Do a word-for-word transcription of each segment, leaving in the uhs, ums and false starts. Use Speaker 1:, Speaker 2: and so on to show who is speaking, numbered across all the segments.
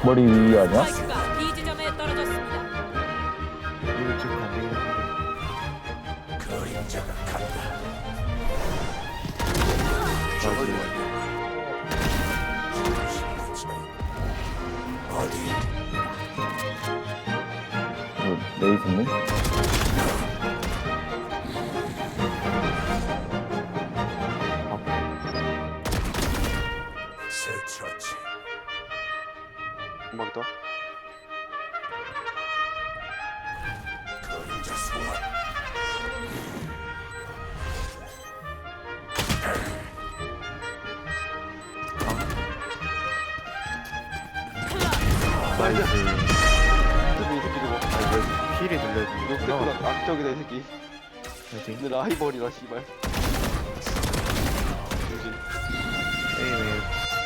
Speaker 1: 머리 위 아니야?
Speaker 2: 스파이크가 B 지점에 떨어졌습니다.
Speaker 3: 이거 지금 안 되겠네.
Speaker 1: 뭐, 레이스는?
Speaker 3: 한번 더. 나이스.
Speaker 4: 이 새끼 저거.
Speaker 3: 아, 왜 필이 눌려있는
Speaker 4: 스태프가 악적이다 이 새끼.
Speaker 3: 파이팅.
Speaker 4: 내 라이벌이라 씨발. 조심.
Speaker 3: 에이메.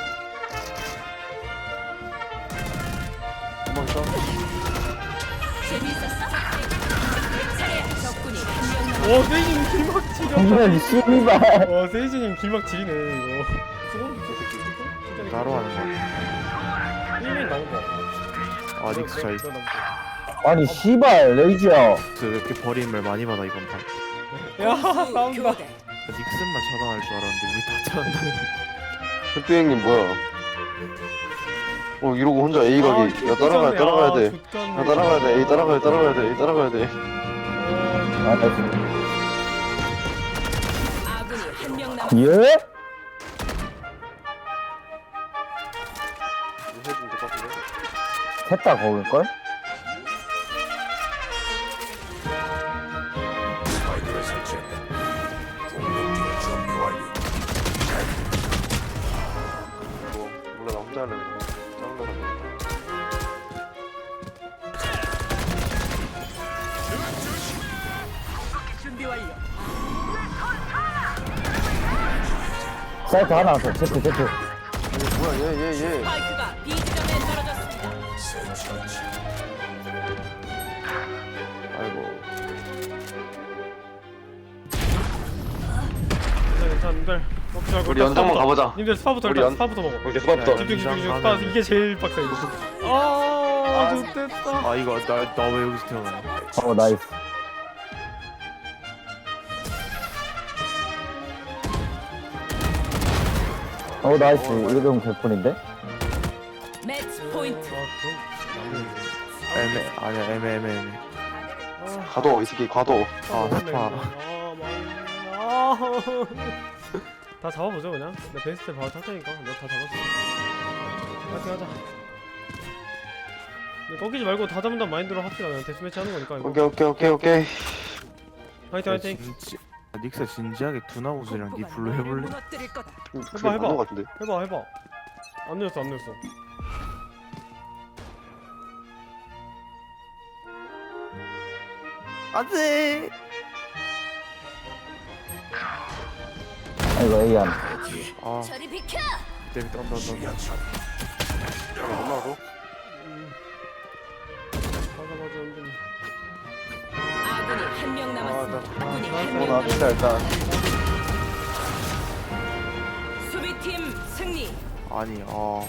Speaker 4: 한번 더.
Speaker 2: 재미있었어? 차례 적군이 한명 남았.
Speaker 5: 와 세이지님 길막 지려.
Speaker 1: 정말 씨발.
Speaker 5: 와 세이지님 길막 지리네 이거. 소름 끼쳐. 진짜
Speaker 3: 따로 하는 거 같아.
Speaker 5: 일 인 나온 거.
Speaker 3: 아, 닉스 잘.
Speaker 5: 저 남자.
Speaker 1: 아니 씨발 레이지야.
Speaker 3: 닉스 왜 이렇게 버림을 많이 받아, 이번 판.
Speaker 5: 야 싸운다.
Speaker 2: 교대.
Speaker 3: 닉슨만 차단할 줄 알았는데, 우리 다 차단하네.
Speaker 4: 흑두 형님 뭐야? 어 이러고 혼자 A 가기. 야 따라가야 따라가야 돼. 야 따라가야 돼. A 따라가야 따라가야 돼. A 따라가야 돼.
Speaker 1: 아 나이스.
Speaker 2: 아군이 한명 남았.
Speaker 1: 예?
Speaker 4: 이거 해주면 될것 같은데?
Speaker 1: 셋다 거울걸?
Speaker 4: 뭐 몰라 나 혼자 할래. 짜증나 가지고.
Speaker 2: 준비 완료.
Speaker 1: 사이트 하나 더. 체크 체크.
Speaker 4: 뭐야 얘 얘 얘.
Speaker 2: 스파이크가 B 지점에 떨어졌습니다.
Speaker 4: 아이고.
Speaker 5: 괜찮아 님들. 먹지 말고
Speaker 4: 우리
Speaker 5: 일단
Speaker 4: 연장만
Speaker 5: 스파부터.
Speaker 4: 가보자.
Speaker 5: 님들 스파부터
Speaker 4: 우리
Speaker 5: 일단
Speaker 4: 연-
Speaker 5: 스파부터 먹어.
Speaker 4: 오케이 수고부터.
Speaker 5: 집중 집중 집중.
Speaker 3: 연장
Speaker 5: 스파 이게 제일 빡세 이거. 아 좋됐다.
Speaker 3: 아, 이거, 나, 나 왜 여기서 태어나냐.
Speaker 1: 어 나이스. 어 나이스. 이러면 개뿐인데?
Speaker 2: 매치 포인트.
Speaker 5: 아 그럼
Speaker 3: 애매, 아니야, 애매, 애매, 애매.
Speaker 4: 가둬 이 새끼 가둬.
Speaker 3: 아, 스파.
Speaker 5: 아, 많이- 아. 다 잡아보죠 그냥. 내 베이스트 바로 탈 테니까. 내가 다 잡았어. 파이팅 하자. 근데 꺾이지 말고 다 잡는다는 마인드로 합시다. 그냥 데스매치 하는 거니까 이거.
Speaker 4: 오케이 오케이 오케이 오케이.
Speaker 5: 화이팅 화이팅.
Speaker 3: 진지, 아, 닉스 진지하게 두나우스랑 니 블루 해볼래?
Speaker 2: 무너뜨릴 거다.
Speaker 4: 그게
Speaker 5: 해봐, 해봐.
Speaker 4: 맞는 것 같은데.
Speaker 5: 해봐 해봐. 안 늦었어 안 늦었어.
Speaker 3: 안돼.
Speaker 1: 아이고 A 안.
Speaker 3: 아,
Speaker 2: 저리 비켜.
Speaker 3: 때문에 떤다 떤다.
Speaker 4: 얼마고?
Speaker 5: 맞아 맞아 은근히.
Speaker 2: 아군이 한명 남았습니다. 아군이
Speaker 4: 어
Speaker 2: 한명
Speaker 4: 나왔다
Speaker 2: 남았습니다.
Speaker 4: 일단.
Speaker 2: 수비팀 승리.
Speaker 3: 아니, 아.